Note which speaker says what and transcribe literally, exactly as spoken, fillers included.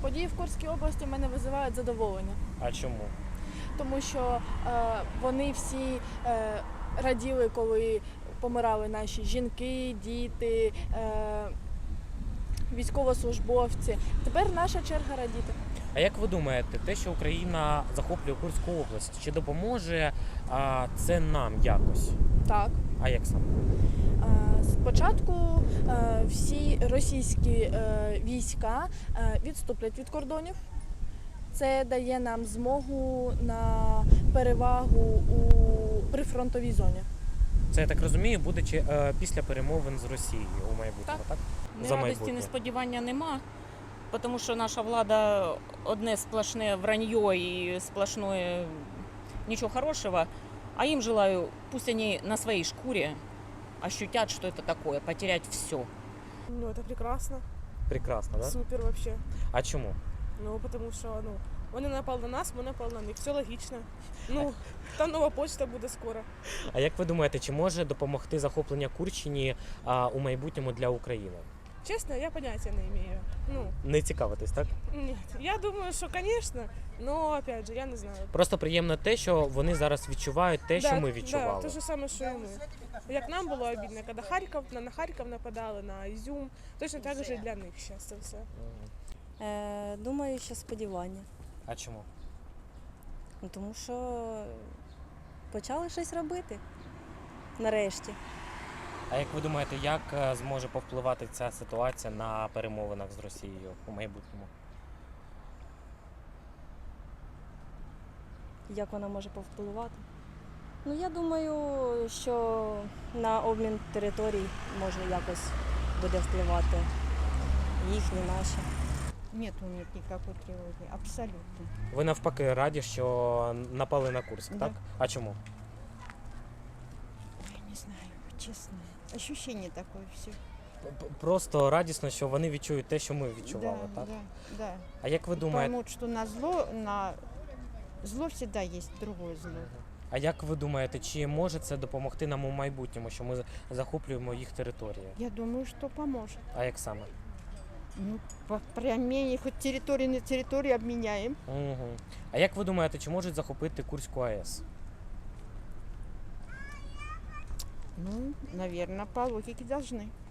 Speaker 1: Події в Курській області в мене викликають задоволення,
Speaker 2: А чому?
Speaker 1: тому що е, вони всі е, раділи, коли помирали наші жінки, діти, е, військовослужбовці. Тепер наша черга радіти.
Speaker 2: А як ви думаєте, те, що Україна захоплює Курську область, чи допоможе а, це нам якось?
Speaker 1: Так.
Speaker 2: А як саме?
Speaker 1: Е, Спочатку е, всі російські е, війська е, відступлять від кордонів. Це дає нам змогу на перевагу у прифронтовій зоні.
Speaker 2: Це, я так розумію, буде чи, е, після перемовин з Росією у майбутньому, так?
Speaker 3: Ні
Speaker 2: За
Speaker 3: радості,
Speaker 2: майбутнє.
Speaker 3: ні сподівання нема, тому що наша влада одне сплошне вранье і сплошне нічого хорошого, а їм желаю, пусть они на своей шкуре ощутят, что это такое, потерять все.
Speaker 4: Ну, это прекрасно.
Speaker 2: Прекрасно, так?
Speaker 4: Супер вообще.
Speaker 2: А чому?
Speaker 4: Ну, потому что, ну, он не напал на нас, мы напал на них. Все логично. Ну, там нова почта буде скоро.
Speaker 2: А як ви думаєте, чи може допомогти захоплення Курщині а, у майбутньому для України?
Speaker 4: Честно, я понятия не имею. Ну,
Speaker 2: Не цікавитесь, так?
Speaker 4: нет. Я думаю, что, конечно, но, опять же, я не знаю.
Speaker 2: Просто приємно те, що вони зараз відчувають те, що ми відчували.
Speaker 4: Да, те ж саме, що і ми. Як нам було обідно, коли Харків, на, на Харків нападали, на Ізюм, точно так же і для них зараз це все.
Speaker 2: Мгм.
Speaker 5: Е, думаю, що сподівання.
Speaker 2: А чому?
Speaker 5: Ну, тому що почали щось робити. Нарешті.
Speaker 2: А як ви думаєте, як е, зможе повпливати ця ситуація на перемовинах з Росією у майбутньому?
Speaker 5: Як вона може повпливати? Ну, я думаю, що на обмін територій може якось буде впливати їхні, наші.
Speaker 6: Нет у них никакой тревоги, абсолютно.
Speaker 2: Ви навпаки раді, що напали на Курськ,
Speaker 6: Да.
Speaker 2: так? А чому?
Speaker 6: Я не знаю, честно. Ощущение такое все.
Speaker 2: П- Просто радісно, що вони відчують те, що ми відчували,
Speaker 6: да,
Speaker 2: так?
Speaker 6: да, да.
Speaker 2: А як ви
Speaker 6: И
Speaker 2: думаєте,
Speaker 6: поймут, что на зло, на зло всегда есть другое зло.
Speaker 2: а як ви думаєте, чи може це допомогти нам у майбутньому, що ми захоплюємо їх території?
Speaker 6: Я думаю, что поможет.
Speaker 2: А як саме?
Speaker 6: Ну, по применению хоть территории на территории обменяем.
Speaker 2: Угу. А як ви думаєте, чи можуть захопити Курську АЕС?
Speaker 6: Ну, наверное, по логике должны.